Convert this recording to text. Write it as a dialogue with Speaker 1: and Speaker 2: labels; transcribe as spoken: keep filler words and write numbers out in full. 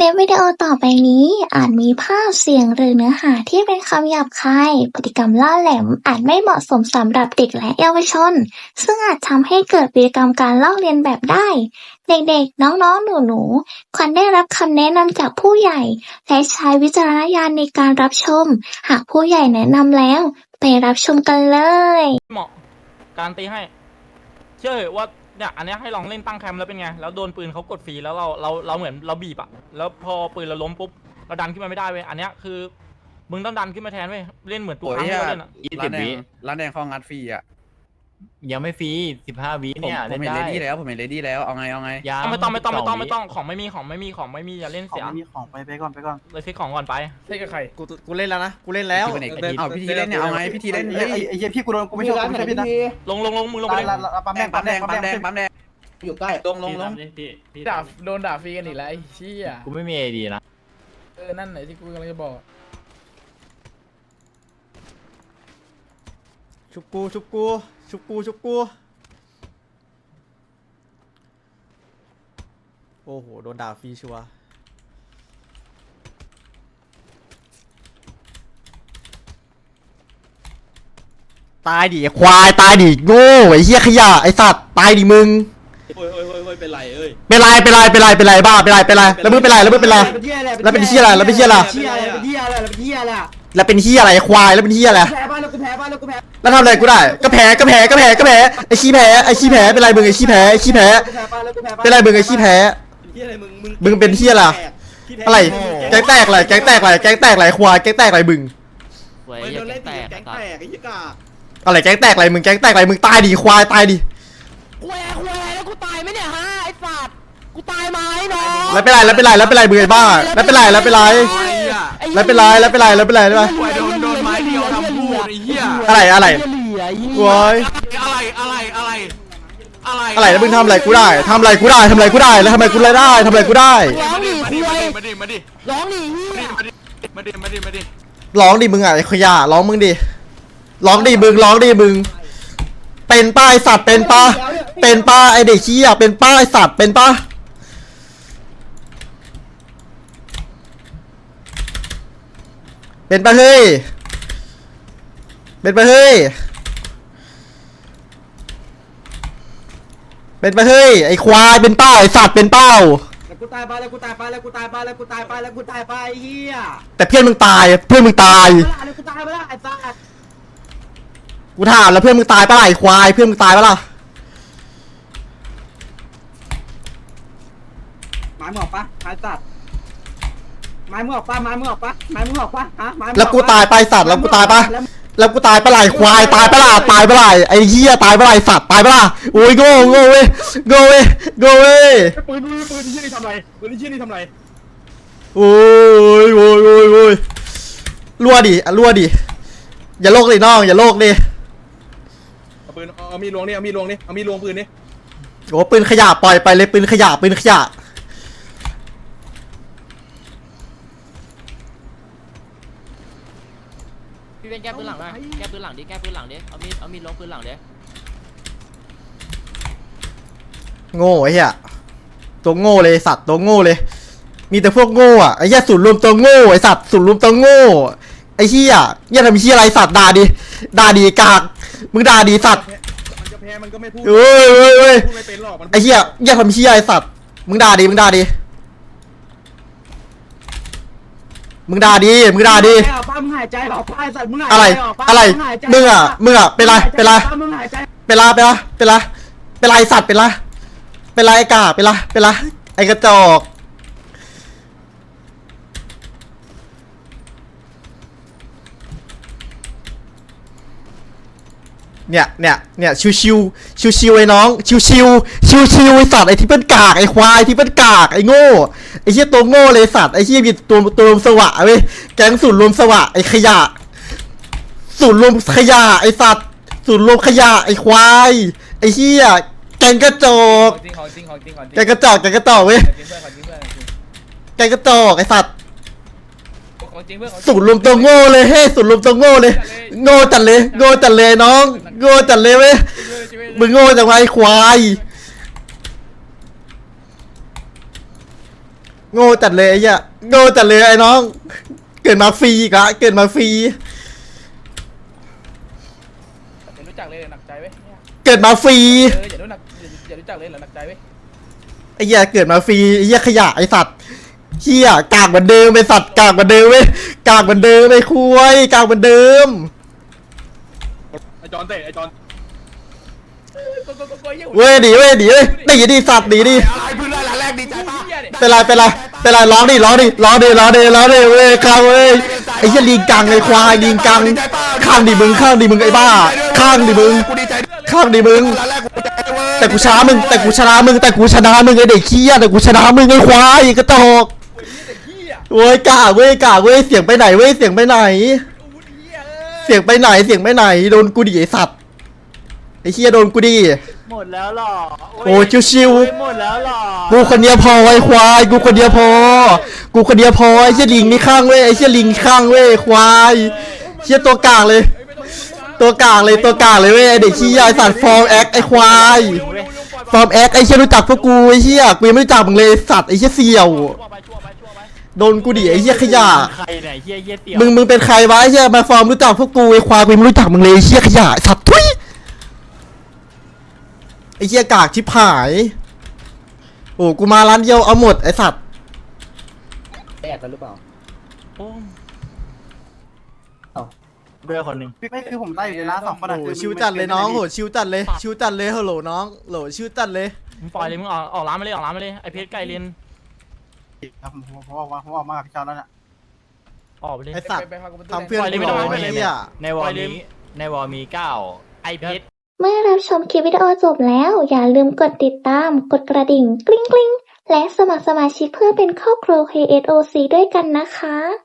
Speaker 1: ลิปวิดีโอต่อไปนี้อาจมีภาพเสียงหรือเนื้อหาที่เป็นคำหยาบคายพฤติกรรมล่าแหลมอาจไม่เหมาะสมสำหรับเด็กและเยาวชนซึ่งอาจทำให้เกิดพฤติกรรมการลอกเลียนแบบได้เด็กๆน้องๆหนูๆควรได้รับคำแนะนำจากผู้ใหญ่และใช้วิจารณญาณในการรับชมหากผู้ใหญ่แนะนำแล้วไปรับชมกันเลย
Speaker 2: เหมาะการตีให้เชื่อว่าเนี่ยอันนี้ให้ลองเล่นตั้งแคมป์แล้วเป็นไงแล้วโดนปืนเขากดฟรีแล้วเราเราเราเหมือนเราบีบอะแล้วพอปืนเราล้มปุ๊บเราดันขึ้นมาไม่ได้เว้ยอันนี้คือมึงต้องดันขึ้นมาแทนเว้ยเล่นเหมือนตัวครั้งที่เราเล่นอะ
Speaker 3: ยี่สิบวิร้านแดงเขางัดฟรีอะ
Speaker 4: ยังไม่ฟรีสิบห้าวิเนี่ย
Speaker 3: ผมเห็นเลดี้แล้วผมเห็นเลดี้แล้วเอาไงเอาไง
Speaker 2: ไม่ต้องไม่ต้องไม่ต้องไม่ต้องของไม่มีของไม่มีของไม่มีอย่าเล่นเสีย
Speaker 5: ไม่มีของไปไปก่อนไปก่อน
Speaker 2: เลยซื้อของก่อนไป
Speaker 6: เล่นกับใคร
Speaker 5: กูกูเล่นแล้วนะกูเล่นแล้ว
Speaker 3: เอาพิธีเล่นเนี่ยเอาไงพิธีเล่น
Speaker 5: ไอ้ไอ้เหี้ยพี่กูโดนกูไม่ชอบกูไม่ชอบพี่นะ
Speaker 2: ลงลงลงมึงลงไปเลย
Speaker 5: ปั๊มแดงปั๊มแดงปั๊มแดงปั๊มแดง
Speaker 3: อยู่ใกล้ลงลงลง
Speaker 6: ด่าโดนด่าฟรีกันอีกแล้วไอ้เชี่ย
Speaker 4: กูไม่มีไอดีนะ
Speaker 6: เออนั่นไหนที่กูกำลังจะบอก
Speaker 5: ชุบกูชุบกูชุบกูชุบกูโอ้โหโดนด่าฟรีชัวตายดิควายตายดิโง่ไอ้เหี้ยขยะไอ้สัตว์ตายดิมึง
Speaker 3: โอ้ยโอ้ยโอ้ยเป็นไรเอ้ย
Speaker 5: เป็นไรเป็นไรเป็นไรเป็นไรบ้าเป็นไรเป็นไรแล้วมึงเป็นไรแล้วมึงเป็นไรแล้วเป็นเหี้ยอะไรแล้วเป็นเหี้ยอะไร
Speaker 3: เหี้ยอะไรเป็นเหี้ยอะไรเป็นเหี้ยอะไร
Speaker 5: แล้วเป็นเหี้ยอะไรควายแล้วเป็นเหี้ยอะไร
Speaker 3: แพ้บ้านแล้วกูแพ้บ้านแล้วกูแพ้
Speaker 5: แล้วทำอะไรกูได้ก็แพ้ก็แพ้ก็แพ้ก็แพ้ไอ้ขี้แพ้ไอ้ขี้แพ้เป็นไรมึงไอ้ขี้แพ้ไอ้ขี้แพ้เป็นไรมึงไอ้ขี้แพ้มึงเป็นเหี้ยอะไรอะไรแก๊งแตกอะไรแก๊งแตกอะไรแก๊งแตกอะไรควายแก๊งแตกอะไรมึง
Speaker 3: โดนเล่นแตกแก๊งแตกไอ้ยี่กา
Speaker 5: อะไรแก๊งแตกอะไรมึงแก๊งแตกอะไรมึงตายดิควายตายดิ
Speaker 7: ควายควายแล้วกูตายไหมเนี่ยฮะไอ้สัตว์กูตายไหมน้อง
Speaker 5: แล้วเป็นไรแล้วเป็นไรแล้วเป็นไรมึงไอ้บ้าแล้วเป็นไรแล้วเป็นไรแล้วเป็นไรแล้วเป็นไรแล้วเป็นไรได้ไหม
Speaker 3: โดนโดนไม้เดียวทำพูดไอ้เหี้ย
Speaker 5: อะไรอะไร
Speaker 3: โว้ยอะไรอะไรอะไร
Speaker 5: อะไรอะไรแล้วมึงทำอะไรกูได้ทำอะไรกูได้ทำอะไรกูได้แล้วทำไมกูได้ทำอะไรกูได้
Speaker 7: ร้องดิคุย
Speaker 3: มาดิมาดิ
Speaker 7: ร้องดิเฮีย
Speaker 3: มาดิมาดิมาดิ
Speaker 5: ร้องดิมึงอ่ะไอ้ขยะร้องมึงดิร้องดิมึงร้องดิมึงเป็นป้ายสัตว์เป็นป้าเป็นป้าไอเด็กขี้อ่ะเป็นป้ายสัตว์เป็นป้าเป็นป้าเฮ้ยเป็นป้าเฮ้ยเป็นป้าเฮ้ยไอควายเป็นป้าไอสัตว์เป็นเป้า
Speaker 3: แล้วกูตายไปแล้วกูตายไปแล้วกูตายไปแล้วกูตายไปแล้วกูตายไปเฮีย
Speaker 5: แต่เพื่อนมึงตายเพื่อนมึงตาย
Speaker 3: แล้วกูตายไปแล้วไอ้สัตว์
Speaker 5: กูถามแล้วเพื่อนมึงตายปะล่ะไอ้ควายเพื่อนมึงตายปะล่ะ
Speaker 3: ไม้มึงออกปะไม้สัตว์ไม้มึงออกปะไม้มึงออกปะไม้มึงออกปะฮะ
Speaker 5: แล้วกูตายไปสัตว์แล้วกูตายปะแล้วกูตายปะล่ะไอ้ควายตายปะล่ะตายปะล่ะไอ้เหี้ยตายปะล่ะไอ้สัตว์ตายปะล่ะโอ้ยโง่โง่เว้ยโง่เว้ยโง่เว้ย
Speaker 6: ปืนปืนปืนที่นี่ทำไรปืนที่นี่ทำไร
Speaker 5: โอ้ยโอ้ยโอ้ยโอ้ยรั่วดิรั่วดิอย่าโลกเลยน้องอย่าโลกดิ
Speaker 6: ปืนเอามีลวงนี่เอามีลวงนี่เอามีลวงปืนนี่
Speaker 5: โอ้ปืนขยะปล่อยไปเลยปืนขยะปืนขยะ
Speaker 7: พี่เป็นแก้ปืนหลังนะแก้ปืนหลังดิแก้ปืนหลังดิเอามีเอามีลวงปืนหลังดิ
Speaker 5: โง่ไอ้เหี้ยตัวโง่เลยสัตว์ตัวโง่เลยมีแต่พวกโง่อะไอ้เหี้ยสูตรรวมตัวโง่ไอ้สัตว์สูตรรวมตัวโง่ไอ้เหี้ยเหี้ยทำเหี้ยอะไรสัตว์ด่าดิด่าดิกากมึงด่าดิสัตว์
Speaker 6: มันจะแพ้มันก็ไม่พูด
Speaker 5: เอ้ยเอ้ยเอ้ย
Speaker 6: ไม่เป็นหรอก
Speaker 5: ไอ้เหี้ยเหี้ยทำเหี้ยไอ้สัตว์มึงด่าดิมึงด่าดิมึงด่าดิมึงด่าดิ
Speaker 3: ป้ามึงหายใจออกป้าไอ้สัตว์มึงหาย
Speaker 5: ใจอะไรอะไรมึงอ่ะมึงอ่ะเป็นไรเป็นไรเป็นไรเป็นไรเป็นไรเป็นไรสัตว์เป็นไรเป็นไรไอ้กาเป็นไรเป็นไรไอ้กระจอกเนี่ยเนี่ยเนี่ยชิวชิวชิวชิวไอ้น้องชิวชิวชิวชิวไอ้สัตว์ไอ้ที่เป็นกากไอ้ควายที่เป็นกากไอ้โง่ไอ้เหี้ยตัวโง่เลยสัตว์ไอ้เหี้ยมีตัวตัวรวมสวะเว้ยแก๊งสูตรรวมสวะไอ้ขยะสูตรรวมขยะไอ้สัตว์สูตรรวมขยะไอ้ควายไอ้เหี้ยแกงกระจอกแกงกระจอกแกงกระจอกเว้ยแกงกระจอกไอ้สัตว์สูตรรวมตัวโง่เลยเฮ้สูตรรวมตัวโง่เลยโง่จัดเลยโง่จัดเลยน้องโง่จัดเลยเว้ยมึงโง่จังไงควายโง่จัดเลยไอ้เหี้ยโง่จัดเลยไอ้น้อง เกิดมาฟรีอีกละเกิดมาฟรี
Speaker 7: อย่ารู้จักเลยหนักใจเว้ยเนี่ย
Speaker 5: เกิดมาฟรี
Speaker 7: เอออย่ารู้หนักอย่ารู้จักเลยหนักใจเว้ย
Speaker 5: ไอ้เหี้ยเกิดมาฟรีไอ้เหี้ยขยะไอ้สัตว์เหี้ยกากเหมือนเดิมไอ้สัตว์กากเหมือนเดิมเว้ยกากเหมือนเดิมไอ้คุยกากเหมือนเดิม
Speaker 6: ไอจอนเตะไอจอน
Speaker 7: ก็ก็ก็ก็เหี้ย
Speaker 5: เว้ยหนีเว้ยหนีเว้ยหนีดิสัตว์หนีดิ
Speaker 7: อะไรพื้นไรแรกดีใจป่ะ
Speaker 5: เป็นไรเป็นไรเป็นไรร้องดิร้องดิร้องดิร้องดิร้องดิเว้ยข้างเว้ยไอ้เหี้ยลิงกังไอ้ควายลิงกังข้างดิมึงข้างดิมึงไอ้บ้าข้างดิมึง
Speaker 7: กูดีใจ
Speaker 5: ข้างดิมึง
Speaker 7: แรกกูดีใจเว้ย
Speaker 5: แต่กูชนะมึงแต่กูชนะมึงแต่กูชนะมึงไอ้เด็กเขี้ยแต่กูชนะมึงไอ้ควายกระตอกโว้ยกากเว้ยกากเว้ยเสียงไปไหนเว้ยเสียงไปไหน เสียงไปไหนเสียงไปไหนโดนกูดิไอ้สัตว์ไอ้เขี้ยโดนกูดิ
Speaker 4: หมดแล้วหรอ
Speaker 5: โอ้ชิว
Speaker 4: หมดแล้วหรอ
Speaker 5: ๆกูคนเดียวพอไอ้ควายกูคนเดียวพอ กูคนเดียวพอไอ้เชี่ยลิงนี่ข้างเว้ยไอ้เชี่ยลิงข้างเว้ยควายเชี่ยตัวกลางเลย ตัวกลางเลยตัวกลางเลยเว้ยไอ้เด็กขี้ยาไอ้สัตว์ฟอร์มแอคไอ้ควายฟอร์มแอคไอ้เชี่ยรู้จักพวกกูไอ้เชี่ยกูยังไม่รู้จักมึงเลยไอ้สัตว์ไอ้เชี่ยเสี่ยว
Speaker 2: ชั่วไปชั่วไปชั่วไป
Speaker 5: โดนกูดิไอ้เชี่ยขยะ
Speaker 4: ใครเนี่ยเฮียเฮียเตี่ยว
Speaker 5: มึงมึงเป็นใครวะไอ้เชี่ยมาฟอร์มรู้จักพวกกูไอ้ควายกูยังไม่รู้จักมึงเลยไอ้เชี่ยขยะไอ้สัตว์ทุยไอ้เชี่ยกากชิบหายโอ้กูมาร้านเดียวเอาหมดไอ้สัตว์
Speaker 3: แอบกันหรือเปล่า
Speaker 2: โอ้
Speaker 4: ด้วยคนหนึ่ง
Speaker 3: ไม่คือผมได้อยู่ในร้านสองคนอะ
Speaker 5: โอ้
Speaker 3: คือ
Speaker 5: ชิวจัดเลยน้องโหชิวจัดเลยชิวจัดเลยฮัลโหลน้องโหลชิวจัดเลย
Speaker 2: มึงปล่อยเลยมึงออกออกร้านมาเลยออกร้านมาเลยไอเพชรไก่เลน
Speaker 3: ผมผมผมออกมาผมออกมากับพี่ชายแล้วเนี่ย
Speaker 2: ออกไปเลย
Speaker 5: ไอ้สัตว์
Speaker 7: ไปพากูไป
Speaker 5: ทำเพื่อน
Speaker 2: ปล่อยเลย
Speaker 5: กู
Speaker 2: ไม่
Speaker 5: ห
Speaker 2: ต้
Speaker 5: น่
Speaker 2: อง
Speaker 5: อย
Speaker 2: ไม่ต้อง
Speaker 5: ไอ้เหี้ย
Speaker 4: ในวอลนี้ในวอลมีเก้า
Speaker 2: ไอเพชร
Speaker 1: เมื่อรับชมคลิปวิดีโอจบแล้ว อย่าลืมกดติดตาม กดกระดิ่งกริ๊งกริ๊งและสมัครสมาชิกเพื่อเป็นครอบครัว เค เอส โอ ซี ด้วยกันนะคะ